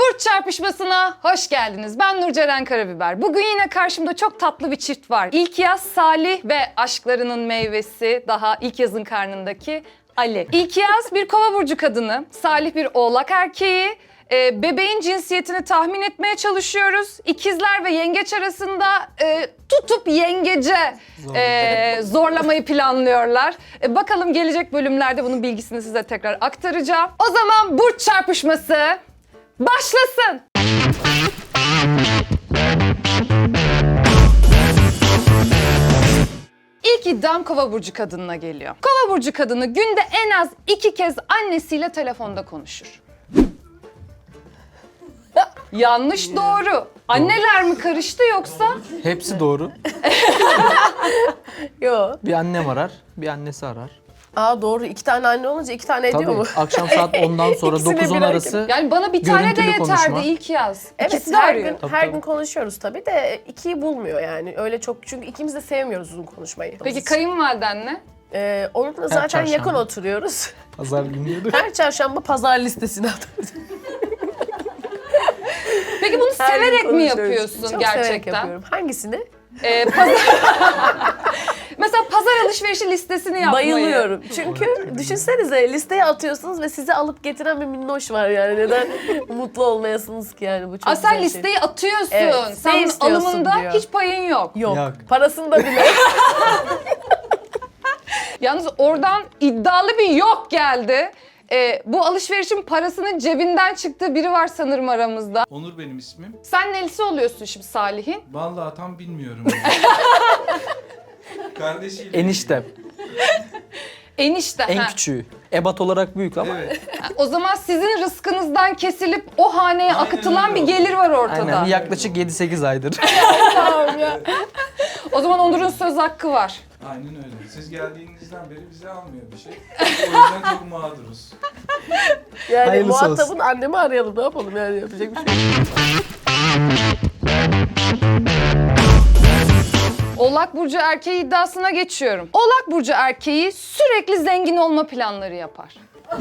Burç çarpışmasına hoş geldiniz. Ben Nurceren Karabiber. Bugün yine karşımda çok tatlı bir çift var. İlkiyaz Salih ve aşklarının meyvesi daha ilk yazın karnındaki Ali. İlkiyaz bir Kova burcu kadını, Salih bir Oğlak erkeği. Bebeğin cinsiyetini tahmin etmeye çalışıyoruz. İkizler ve yengeç arasında tutup yengece zorlamayı planlıyorlar. Bakalım gelecek bölümlerde bunun bilgisini size tekrar aktaracağım. O zaman burç çarpışması başlasın. İlk iddiam Kova burcu kadınına geliyor. Kova burcu kadını günde en az 2 kez annesiyle telefonda konuşur. Yanlış doğru. Anneler mi karıştı yoksa? Hepsi doğru. Yo. Bir annem arar, bir annesi arar. Aa doğru. 2 tane anne olunca 2 tane ediyor Tabii mu? akşam saat 10'dan sonra İkisine 9-10 bir arası Yani bana bir tane de görüntülü yeterdi konuşma. ilk yaz. Evet, İkisi de her arıyor. gün Tabii, her tabii. gün konuşuyoruz tabii de 2'yi bulmuyor yani. Öyle çok çünkü ikimiz de sevmiyoruz uzun konuşmayı. Peki kayınvaliden ne? Onunla zaten çarşamba. yakın oturuyoruz. pazar günleri. Her çarşamba pazar listesine atıyoruz. Peki bunu Her gün severek mi konuşuyoruz. yapıyorsun Çok gerçekten? severek yapıyorum. Hangisini? Mesela pazar alışverişi listesini yapmayı. Bayılıyorum. Çünkü düşünsenize listeye atıyorsunuz ve sizi alıp getiren bir minnoş var yani. Neden mutlu olmayasınız ki yani bu çok Aa, sen güzel şey. listeyi atıyorsun. Evet, Sen ne bunun istiyorsun alımında diyor. hiç payın yok. Yok. Yok. Parasını da bile. Yalnız oradan iddialı bir yok geldi. Bu alışverişin parasının cebinden çıktığı biri var sanırım aramızda. Onur benim ismim. Sen nelisi oluyorsun şimdi Salih'in? Vallahi tam bilmiyorum. Kardeşiyle. Eniştem. Enişte. En ha. küçüğü. Ebat olarak büyük ama. Evet. O zaman sizin rızkınızdan kesilip o haneye Aynen akıtılan öyle bir gelir var ortada. Aynen yaklaşık 7-8 aydır. O zaman Onur'un söz hakkı var. Aynen öyle. Siz geldiğinizden beri bize almıyor bir şey. O yüzden çok mağduruz. Yani Hayırlısı muhatabın olsun. annemi arayalım ne yapalım yani yapacak bir şey yok. Oğlak Burcu erkeği iddiasına geçiyorum. Oğlak Burcu erkeği sürekli zengin olma planları yapar.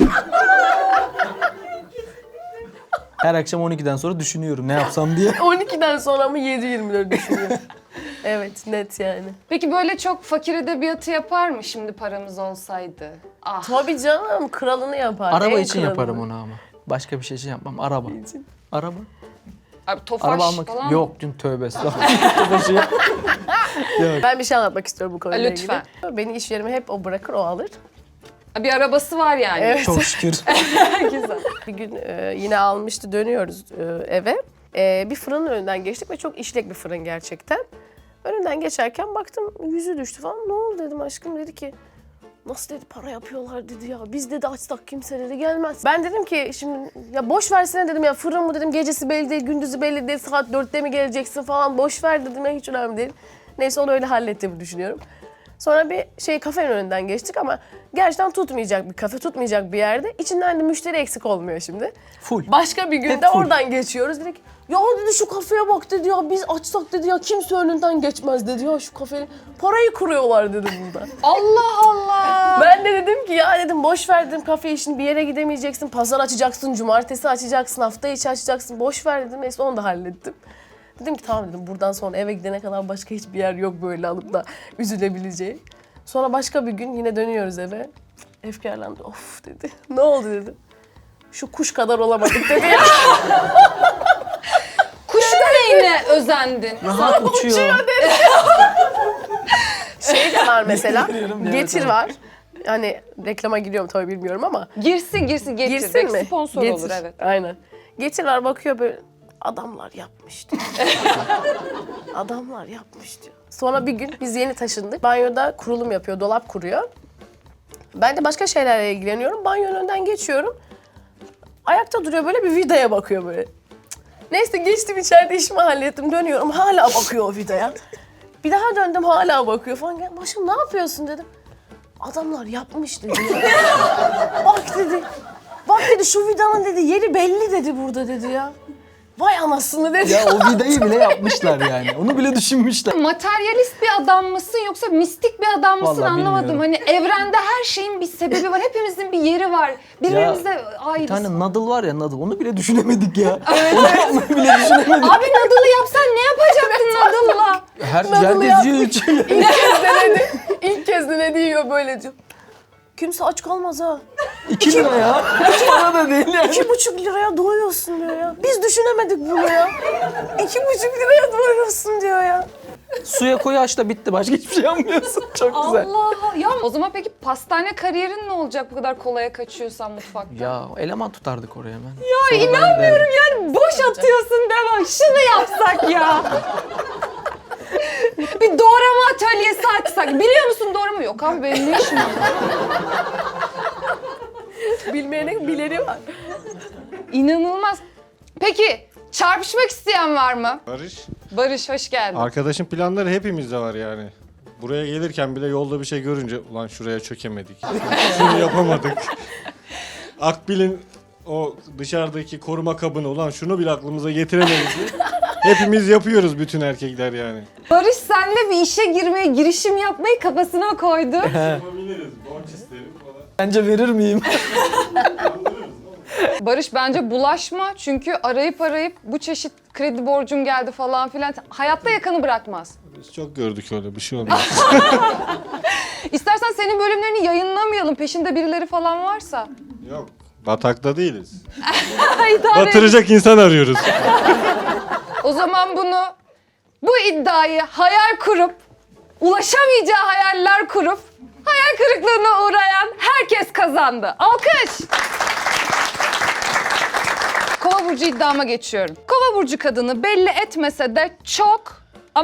Her akşam 12'den sonra düşünüyorum ne yapsam diye. 12'den sonra mı 7-24 düşünüyor. Evet net yani. Peki böyle çok fakir edebiyatı yapar mı şimdi paramız olsaydı? Ah. Tabii canım kralını yapar. Araba en için kralını. yaparım onu ama. Başka bir şey için yapmam. Araba. Araba. Abi tofaş Araba almak. falan mı? Yok dün tövbe estağfurullah. Tofaşı yok. Ben bir şey anlatmak istiyorum bu konuyla Lütfen. ilgili. Beni iş yerime hep o bırakır o alır. Bir arabası var yani. Evet. Çok şükür. Güzel. Bir gün yine almıştı dönüyoruz eve. Bir fırının önünden geçtik ve çok işlek bir fırın gerçekten. Önünden geçerken baktım yüzü düştü falan. Ne oldu dedim aşkım dedi ki nasıl dedi para yapıyorlar dedi ya. Biz dedi açsak kimse dedi gelmez. Ben dedim ki şimdi ya boş versene dedim ya fırın mı dedim gecesi belli değil gündüzü belli değil saat 4'te mi geleceksin falan boş ver dedim ya hiç önemli değil. Neyse onu öyle hallettiğimi düşünüyorum. Sonra bir kafenin önünden geçtik ama gerçekten tutmayacak bir kafe, tutmayacak bir yerde. İçinden de müşteri eksik olmuyor şimdi. Full. Başka bir günde Hep full. oradan geçiyoruz dedik. Ya dedi şu kafeye bak dedi ya biz açsak dedi ya kimse önünden geçmez dedi ya şu kafeyi. Parayı kuruyorlar dedi burada. Allah Allah. Ben de dedim ki ya dedim boş ver dedim kafe işini bir yere gidemeyeceksin. Pazar açacaksın, cumartesi açacaksın, hafta içi açacaksın. Boş ver dedim neyse onu da hallettim. Dedim ki tamam dedim buradan sonra eve gidene kadar başka hiçbir yer yok böyle alıp da üzülebileceği. Sonra başka bir gün yine dönüyoruz eve. Efkarlandı. Of dedi. Ne oldu dedim. Şu kuş kadar olamadık dedi ya. Kuş neyine özendin? Rahat uçuyor. Şey de var mesela. Biliyorum, evet, Getir evet. var. Hani reklama giriyorum tabii bilmiyorum ama. Girsin getir. Girsin Belki mi? sponsor Getir. olur evet. Aynen. Getir var bakıyor böyle. Adamlar yapmış diyor. Adamlar yapmış diyor. Sonra bir gün biz yeni taşındık. Banyoda kurulum yapıyor, dolap kuruyor. Ben de başka şeylerle ilgileniyorum. Banyonun önünden geçiyorum. Ayakta duruyor böyle bir vidaya bakıyor böyle. Neyse geçtim içeride işimi hallettim. Dönüyorum hala bakıyor o vidaya. Bir daha döndüm hala bakıyor falan. Başım ne yapıyorsun dedim. Adamlar yapmış dedi. Bak dedi. Bak dedi şu vidanın dedi yeri belli dedi burada dedi ya. Vay anasını dedi. Ya o vidayı bile yapmışlar yani. Onu bile düşünmüşler. Materyalist bir adam mısın yoksa mistik bir adam mısın Vallahi anlamadım. bilmiyorum. Hani evrende her şeyin bir sebebi var. Hepimizin bir yeri var. Birbirimize Bir ayrıyız. tane Nadal var ya Nadal. Onu bile düşünemedik ya. Onu yapmayı bile düşünemedik. Abi Nadal'ı yapsan ne yapacaktın Nadal'la? Her Nadal'ı yer geziyor içiyor. İlk kez denedi yiyor böyle diyor. Kimse aç kalmaz ha. 2 lira ya. Hiç para da değil yani. 2,5 liraya doyuyorsun diyor ya. Biz düşünemedik bunu ya. 2,5 liraya doyuyorsun diyor ya. Suya koy aç da bitti. Başka hiçbir şey yapmıyorsun. Çok güzel. Allah. Ya o zaman peki pastane kariyerin ne olacak bu kadar kolaya kaçıyorsan mutfakta? Ya eleman tutardık oraya hemen. Ya inanmıyorum yani boş atıyorsun devam. Şunu yapsak ya. Bir doğrama atölyesi açsak. Biliyor musun doğrama? Yok abi benim ne işim var? Bilmeyenin bileni var. İnanılmaz. Peki çarpışmak isteyen var mı? Barış, Barış hoş geldin. arkadaşın planları hepimizde var yani. Buraya gelirken bile yolda bir şey görünce ulan şuraya çökemedik. Şunu yapamadık. Akbil'in o dışarıdaki koruma kabını ulan şunu bile aklımıza getiremedik. Hepimiz yapıyoruz bütün erkekler yani. Barış senle bir işe girmeye, girişim yapmayı kafasına koydu. Yapabiliriz. Borç isterim falan. Bence verir miyim? Barış bence bulaşma çünkü arayıp bu çeşit kredi borcum geldi falan filan. Hayatta yakanı bırakmaz. Biz çok gördük öyle bir şey olmaz. İstersen senin bölümlerini yayınlamayalım. Peşinde birileri falan varsa. Yok. Batakta değiliz. İdare et. Batıracak insan arıyoruz. O zaman bu iddiayı hayal kurup, ulaşamayacağı hayaller kurup, hayal kırıklığına uğrayan herkes kazandı. Alkış! Kova burcu iddiama geçiyorum. Kova burcu kadını belli etmese de çok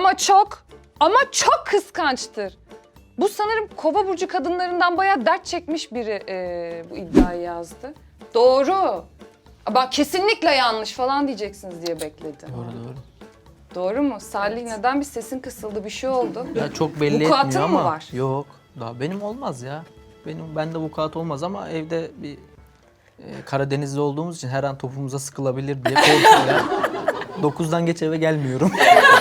kıskançtır. Bu sanırım Kova burcu kadınlarından bayağı dert çekmiş biri bu iddiayı yazdı. Doğru. Bak kesinlikle yanlış falan diyeceksiniz diye bekledi. Doğru. Doğru mu? Salih neden bir sesin kısıldı, bir şey oldu? Ya çok belli Vukuatın etmiyor mı ama. var? Yok. Daha benim olmaz ya. Bende vukuat olmaz ama evde bir Karadenizli olduğumuz için her an topumuza sıkılabilir diye korkuyorum. 9'dan geç eve gelmiyorum.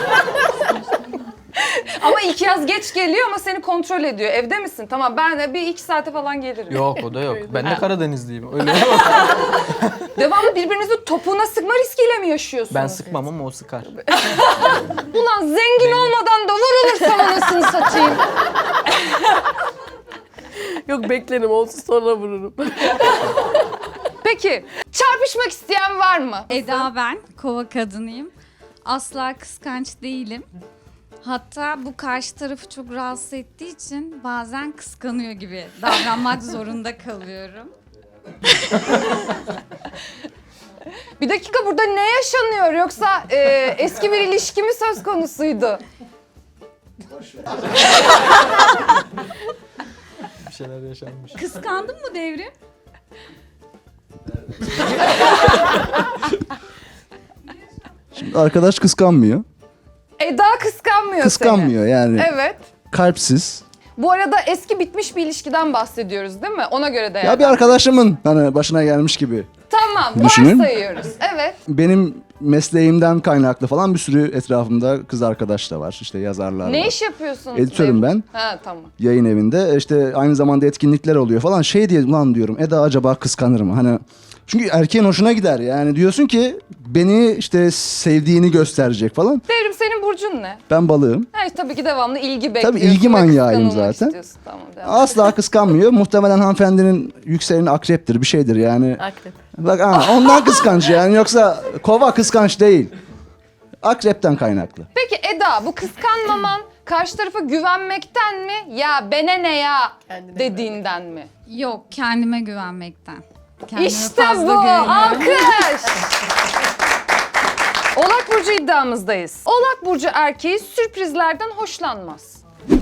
Ama ilk yaz geç geliyor ama seni kontrol ediyor. Evde misin? Tamam ben de bir 2 saate falan gelirim. Yok o da yok. Ben de Karadenizliyim. Öyle. Devamlı birbirinizin topuğuna sıkma riskiyle mi yaşıyorsunuz? Ben sıkmam ama o sıkar. Ulan zengin olmadan da vurulursam anasını satayım. Yok beklerim olsun sonra vururum. Peki çarpışmak isteyen var mı? Eda ben, kova kadınıyım. Asla kıskanç değilim. Hatta bu karşı tarafı çok rahatsız ettiği için bazen kıskanıyor gibi davranmak zorunda kalıyorum. Bir dakika burada ne yaşanıyor yoksa eski bir ilişki mi söz konusuydu? Bir şeyler yaşanmış. Kıskandın mı Devrim? Şimdi arkadaş kıskanmıyor. Eda kıskanmıyor Kıskanmıyor yani. seni. Evet. Kalpsiz. Bu arada eski bitmiş bir ilişkiden bahsediyoruz değil mi? Ona göre değerlendir. Ya bir arkadaşımın hani başına gelmiş gibi. Tamam, Düşünün. varsayıyoruz. Evet. Benim mesleğimden kaynaklı falan bir sürü etrafımda kız arkadaş da var. İşte yazarlar Ne var. iş yapıyorsunuz? Editörüm ben. Ha tamam. Yayın evinde. İşte aynı zamanda etkinlikler oluyor falan. Şey diye ulan diyorum Eda acaba kıskanır mı? Hani çünkü erkeğin hoşuna gider yani. Diyorsun ki beni işte sevdiğini gösterecek falan. Devrim senin burcun ne? Ben balığım. Ha, tabii ki devamlı ilgi bekliyorsun. ilgi ve manyağıyım kıskanılmak zaten. istiyorsun. Tamam devam. Asla kıskanmıyor. Muhtemelen hanımefendinin yükseleni akreptir bir şeydir yani. Akrep. Bak ondan kıskanç yani yoksa kova kıskanç değil. Akrepten kaynaklı. Peki Eda bu kıskanmaman karşı tarafa güvenmekten mi? Ya bene ne ya Kendine dediğinden mi? Yok, kendime güvenmekten. Kendime İşte fazla bu. güveniyorum. Alkış. Oğlak Burcu iddiamızdayız. Oğlak Burcu erkeği sürprizlerden hoşlanmaz.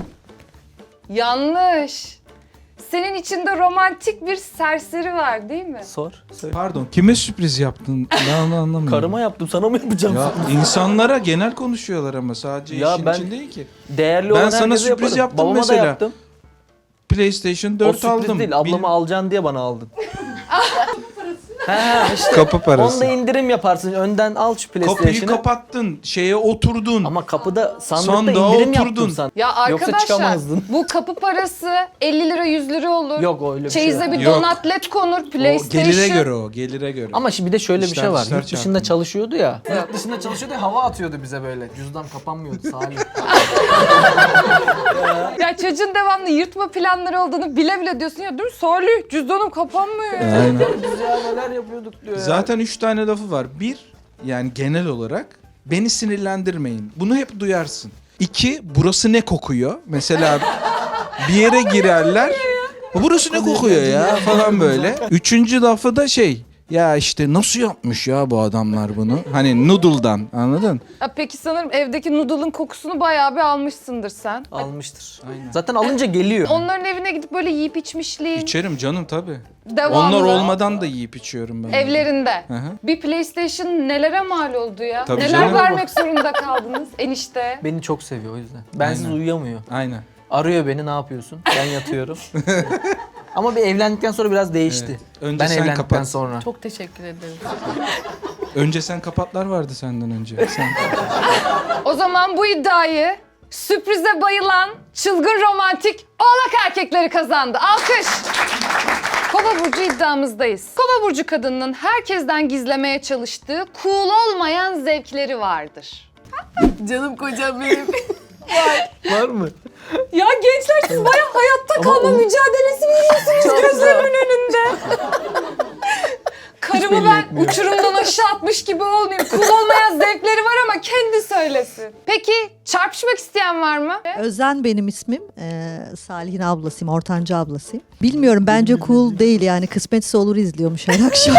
Yanlış. Senin içinde romantik bir serseri var değil mi? Sor. Söyle. Pardon kime sürpriz yaptın? Ben onu anlamıyorum. Karıma yaptım sana mı yapacağım? Ya insanlara genel konuşuyorlar ama sadece Ya işin ben- için değil ki. Değerli Ben olan sana herkese sürpriz yaparım. yaptım Babama mesela. da yaptım. PlayStation O 4 sürpriz aldım. değil. Ablamı alacaksın diye bana aldın. Ha işte. Kapı parası. Onda indirim yaparsın. Önden al şu Kapıyı PlayStation'ı. kapattın, şeye oturdun. Ama kapıda sandıkta Sandığa indirim oturdun. yaptın sen. Ya Yoksa arkadaşlar çıkamazdın. bu kapı parası 50 lira 100 lira olur. Yok öyle bir şey Çeyize yok. bir Yok. donat led konur, O PlayStation. gelire göre o, gelire göre. Ama şimdi bir de şöyle bir İşler şey var. dışlar Yurt dışında çarpıyor. çalışıyordu ya. Yurt dışında çalışıyordu ya, hava atıyordu bize böyle. Cüzdan kapanmıyordu Salih. Ya çocuğun devamlı yırtma planları olduğunu bile bile diyorsun ya dur Salih cüzdanım kapanmıyor ya. Aynen. Biz ya neler yapıyorduk diyor ya. Zaten 3 tane lafı var. Bir, yani genel olarak beni sinirlendirmeyin. Bunu hep duyarsın. 2, burası ne kokuyor? Mesela bir yere girerler. Burası ne kokuyor ya falan böyle. 3. lafı da şey. Ya işte nasıl yapmış ya bu adamlar bunu? Hani noodle'dan, anladın? Ya peki sanırım evdeki noodle'ın kokusunu bayağı bir almışsındır sen. Almıştır. Aynen. Zaten alınca geliyor. Onların evine gidip böyle yiyip içmişliğin İçerim canım tabii. devamlı. Onlar olmadan da yiyip içiyorum ben. Evlerinde. Hı hı. Bir PlayStation nelere mal oldu ya? Tabii Neler canım. vermek zorunda kaldınız enişte? Beni çok seviyor o yüzden. Bensiz Aynen. uyuyamıyor. Aynen. Arıyor beni, ne yapıyorsun? Ben yatıyorum. Ama bir evlendikten sonra biraz değişti. Evet. Önce Ben sen evlendikten kapat. sonra. Çok teşekkür ederim. Önce sen kapatlar vardı senden önce. Sen. O zaman bu iddiayı sürprize bayılan çılgın romantik oğlak erkekleri kazandı. Alkış. Kova burcu iddiamızdayız. Kova burcu kadınının herkesten gizlemeye çalıştığı cool olmayan zevkleri vardır. Canım kocam benim. Var mı? Ya gençler siz bayağı hayatta kalma mücadelesi veriyorsunuz Çok gözlerimin önünde. Karımı belli ben etmiyor. uçurumdan aşağı atmış gibi olmayayım. Cool olmayan zevkleri var ama kendi söylesin. Peki çarpışmak isteyen var mı? Özen benim ismim. Salih'in ablasıyım, ortanca ablasıyım. Bilmiyorum, bence cool değil yani, kısmetse olur izliyormuş her akşam.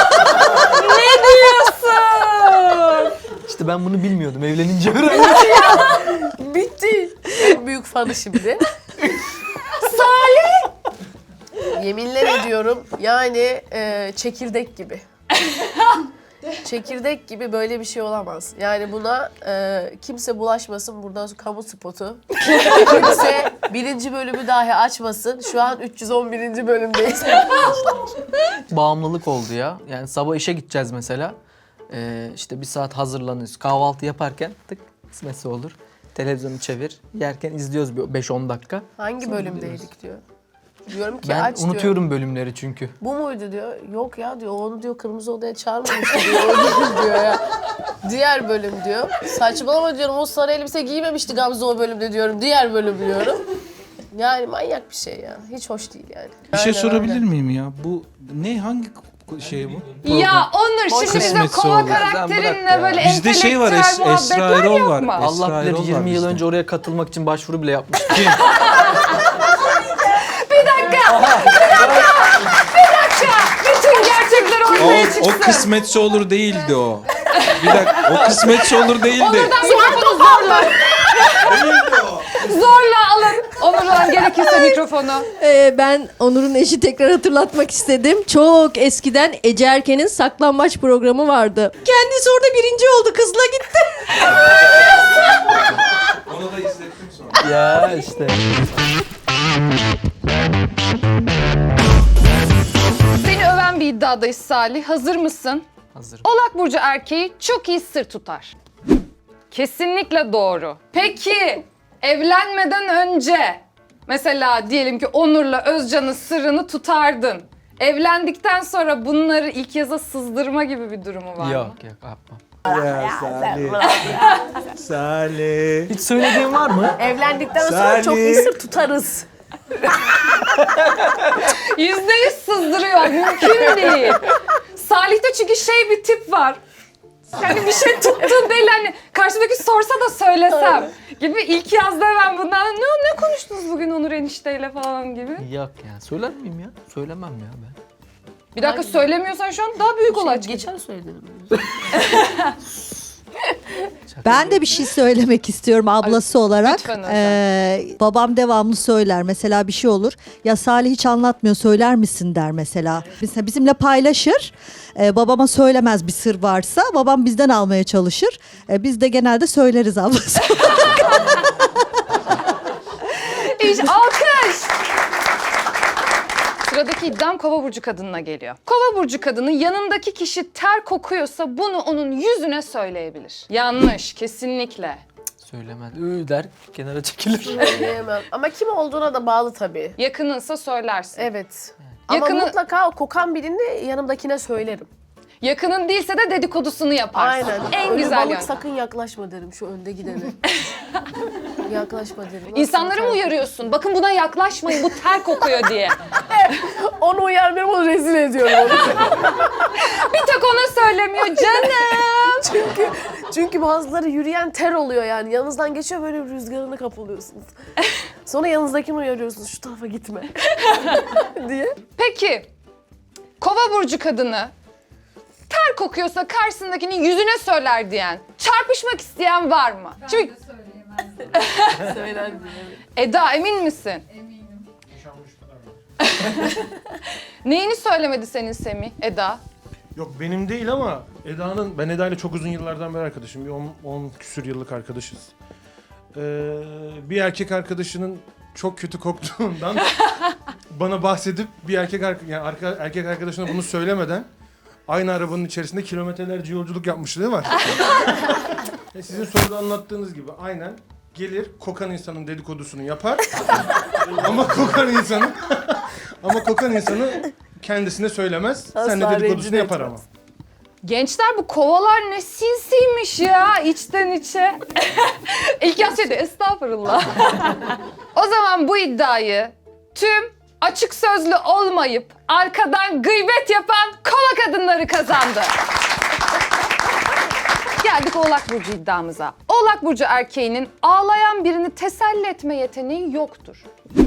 İşte ben bunu bilmiyordum. Evlenince öğrendim. Bitti. En büyük fanı şimdi. Salih! Yeminler ediyorum yani çekirdek gibi. Çekirdek gibi böyle bir şey olamaz. Yani buna kimse bulaşmasın, buradan sonra kamu spotu. Kimse 1. bölümü dahi açmasın. Şu an 311. bölümdeyiz. Bağımlılık oldu ya. Yani sabah işe gideceğiz mesela. İşte bir saat hazırlanıyoruz. Kahvaltı yaparken tık kısmetse olur. Televizyonu çevir. Yerken izliyoruz bir 5-10 dakika. Hangi bölümdeydik diyor. Diyorum ki Ben aç diyor. unutuyorum bölümleri çünkü. Bu muydu diyor. Yok ya diyor. Onu diyor kırmızı odaya çağırmamıştı diyor. O değil diyor ya. Diğer bölüm diyor. Saçmalama diyorum. O sarı elbise giymemişti Gamze o bölümde diyorum. Diğer bölüm diyorum. Yani manyak bir şey ya. Hiç hoş değil yani. Bir şey Aynen sorabilir öyle. miyim ya? Bu ne, hangi şey bu? Ya Onur şimdi bize Kısmetse kova olur. karakterinle böyle Bizde şey var, entelektüel Esra muhabbetler Erol yok var. mu? Esra Allah bilir Erol var 20 yıl bizde. önce oraya katılmak için başvuru bile yapmıştım. Bütün gerçekler ortaya çıksın. O kısmetse olur değildi o. Bir dakika, o kısmetse olur değildi. Onur'dan mikrofonu zorla. Zorla alın. Onur'dan gerekirse mikrofonu. Ben Onur'un eşi, tekrar hatırlatmak istedim. Çok eskiden Ece Erken'in saklambaç programı vardı. Kendisi orada birinci oldu, kızla gitti. Onu da izlettim sonra. Ya işte. Seni öven bir iddiadayız Salih. Hazır mısın? Hazır. Oğlak burcu erkeği çok iyi sır tutar. Kesinlikle doğru. Peki evlenmeden önce mesela diyelim ki Onur'la Özcan'ın sırrını tutardın. Evlendikten sonra bunları ilk yaza sızdırma gibi bir durumu var Yok mı? yok yapmam. Ya Salih. Salih. Hiç söylediğin var mı? Evlendikten sonra çok iyi sır tutarız. %100 sızdırıyor. Mümkün değil. Konuşmada çünkü şey bir tip var. Yani bir şey tuttuğun değil hani karşımdaki sorsa da söylesem gibi ilk yazda ben bundan ne konuştunuz bugün Onur enişteyle falan gibi. Yok ya. Söyler miyim ya? Söylemem ya ben. Bir dakika söylemiyorsan şu an daha büyük olay çıkacak. Geçen söyledim. Ben de bir şey söylemek istiyorum ablası olarak. lütfen Özlem. Babam devamlı söyler. Mesela bir şey olur. Ya Salih hiç anlatmıyor, söyler misin der mesela. Mesela bizimle paylaşır. Babama söylemez bir sır varsa. Babam bizden almaya çalışır. Biz de genelde söyleriz ablası. İş alkış. Sıradaki iddiam Kova burcu kadınına geliyor. Kova burcu kadını yanındaki kişi ter kokuyorsa bunu onun yüzüne söyleyebilir. Yanlış, kesinlikle. Söylemez. Der kenara çekilir. Söyleyemem. Ama kim olduğuna da bağlı tabii. Yakınınsa söylersin. Evet. Ama Yakını- mutlaka o kokan birini yanımdakine söylerim. Yakının değilse de dedikodusunu yaparsın. Aynen. En Ölü güzel balık yöntem. sakın yaklaşma derim şu önde gidene. Yaklaşma derim. İnsanları mı uyarıyorsun? Bakın buna yaklaşmayın, bu ter kokuyor diye. Onu uyarmıyorum, onu rezil ediyorum onu. Bir tek ona söylemiyor canım. Çünkü bazıları yürüyen ter oluyor yani. Yanınızdan geçiyor, böyle rüzgarına kapılıyorsunuz. Sonra yanınızdakini uyarıyorsunuz, şu tarafa gitme diye. Peki, Kova burcu kadını ter kokuyorsa karşısındakinin yüzüne söyler diyen, çarpışmak isteyen var mı? Şimdi Söyler diye. Eda emin misin? Eminim. Neyini söylemedi senin Semih, Eda? Yok benim değil ama ben Eda ile çok uzun yıllardan beri arkadaşım. Bir 10 küsür yıllık arkadaşız. Bir erkek arkadaşının çok kötü koktuğundan bana bahsedip bir erkek arkadaşına bunu söylemeden aynı arabanın içerisinde kilometrelerce yolculuk yapmışlığı var. Sizin soruda anlattığınız gibi aynen gelir kokan insanın dedikodusunu yapar ama kokan insanı kendisine söylemez. Asla Seninle dedikodusunu rencide yapar etmez. ama. Gençler bu kovalar ne sinsiymiş ya içten içe. İlk yazıydı estağfurullah. O zaman bu iddiayı tüm açık sözlü olmayıp arkadan gıybet yapan kova kadınları kazandı. Geldik Oğlak Burcu iddiamıza. Oğlak Burcu erkeğinin ağlayan birini teselli etme yeteneği yoktur.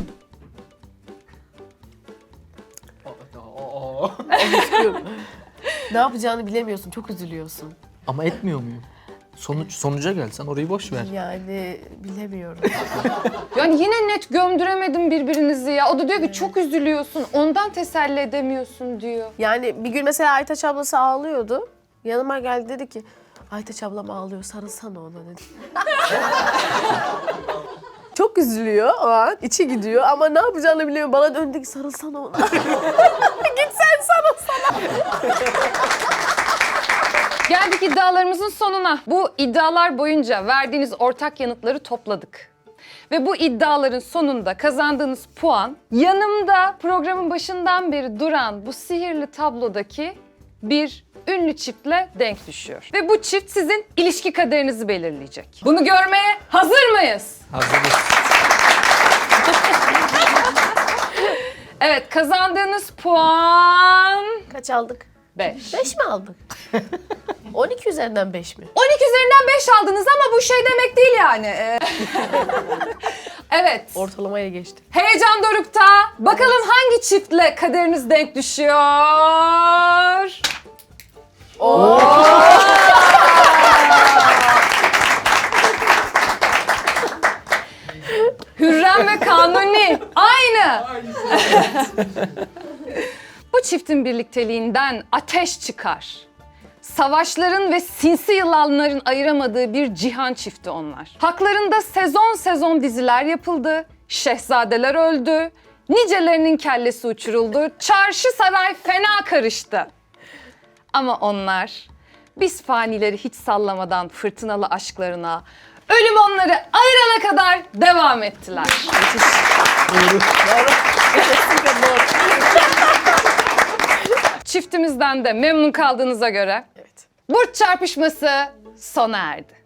Ne yapacağını bilemiyorsun, çok üzülüyorsun. Ama etmiyor muyum? Sonuca gelsen orayı boş ver. Yani bilemiyorum. Yani yine net gömdüremedim birbirinizi ya. O da diyor ki çok üzülüyorsun, ondan teselli edemiyorsun diyor. Yani bir gün mesela Aytaç ablası ağlıyordu. Yanıma geldi, dedi ki Aytaç ablam ağlıyor, sarılsana ona dedi. Çok üzülüyor o an, içi gidiyor ama ne yapacağını bilemiyor. Bana döndü ki sarılsana ona. Git sen sarılsana. Geldik iddialarımızın sonuna. Bu iddialar boyunca verdiğiniz ortak yanıtları topladık. Ve bu iddiaların sonunda kazandığınız puan yanımda programın başından beri duran bu sihirli tablodaki bir ünlü çiftle denk düşüyor. Ve bu çift sizin ilişki kaderinizi belirleyecek. Bunu görmeye hazır mıyız? Hazırız. Evet, kazandığınız puan Kaç aldık? 5. 5 mi aldık? 12 üzerinden 5 mi? 12 üzerinden 5 aldınız ama bu şey demek değil yani. Evet. Ortalamaya geçti. Heyecan dorukta. Bakalım hangi çiftle kaderiniz denk düşüyor? Hürrem ve Kanuni. Aynı. Bu çiftin birlikteliğinden ateş çıkar. Savaşların ve sinsi yılanların ayıramadığı bir cihan çifti onlar. Haklarında sezon sezon diziler yapıldı. Şehzadeler öldü. Nicelerinin kellesi uçuruldu. Çarşı saray fena karıştı. Ama onlar biz fanileri hiç sallamadan fırtınalı aşklarına, ölüm onları ayırana kadar devam ettiler. Çiftimizden de memnun kaldığınıza göre burç çarpışması sona erdi.